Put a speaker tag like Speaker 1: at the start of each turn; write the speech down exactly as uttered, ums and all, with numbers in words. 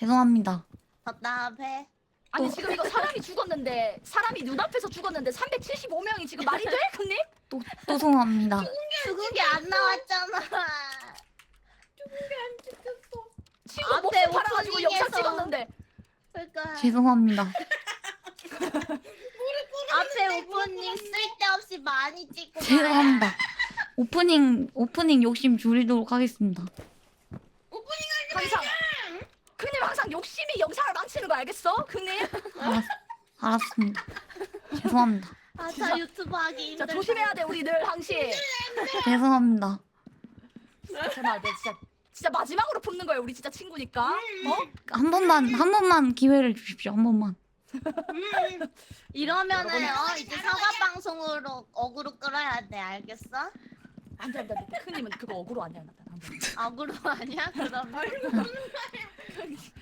Speaker 1: 죄송합니다.
Speaker 2: 답답해.
Speaker 3: 아니 지금 이거 사람이 죽었는데 사람이 눈앞에서 죽었는데 삼백칠십오 명이 지금 말이 돼? 형님?
Speaker 1: 또, 또 죄송합니다.
Speaker 2: 죽은 게 안 나왔잖아.
Speaker 3: 친구
Speaker 2: 앞에
Speaker 3: 목숨 팔아가지고 영상
Speaker 2: 오프닝에서.
Speaker 3: 찍었는데
Speaker 2: 그러니까
Speaker 1: 죄송합니다.
Speaker 2: 앞에 오프닝 쓸데없이 많이 찍고.
Speaker 1: 죄송합니다. 오프닝 오프닝 욕심 줄이도록 하겠습니다.
Speaker 3: 항상 형님 항상 욕심이 영상을 망치는 거 알겠어? 형님?
Speaker 1: 알았, 알았습니다. 죄송합니다.
Speaker 2: 아,
Speaker 3: 진짜.
Speaker 2: 저 유튜브 하기
Speaker 3: 진짜
Speaker 2: 힘들다.
Speaker 3: 조심해야 돼 우리 늘 항시.
Speaker 1: 죄송합니다.
Speaker 3: 정말 내 진짜 진짜 마지막으로 붙는 거예요 우리 진짜 친구니까. 어?
Speaker 1: 한 번만 한 번만 기회를 주십시오. 한 번만.
Speaker 2: 이러면은
Speaker 3: 여러분.
Speaker 2: 어, 이제 사과 방송으로 어그로 끌어야 돼. 알겠어?
Speaker 3: 안돼 안돼 안돼. 형님은 그거 억울로 아니야 나. 안 돼.
Speaker 2: 어그로 아니야? 그러면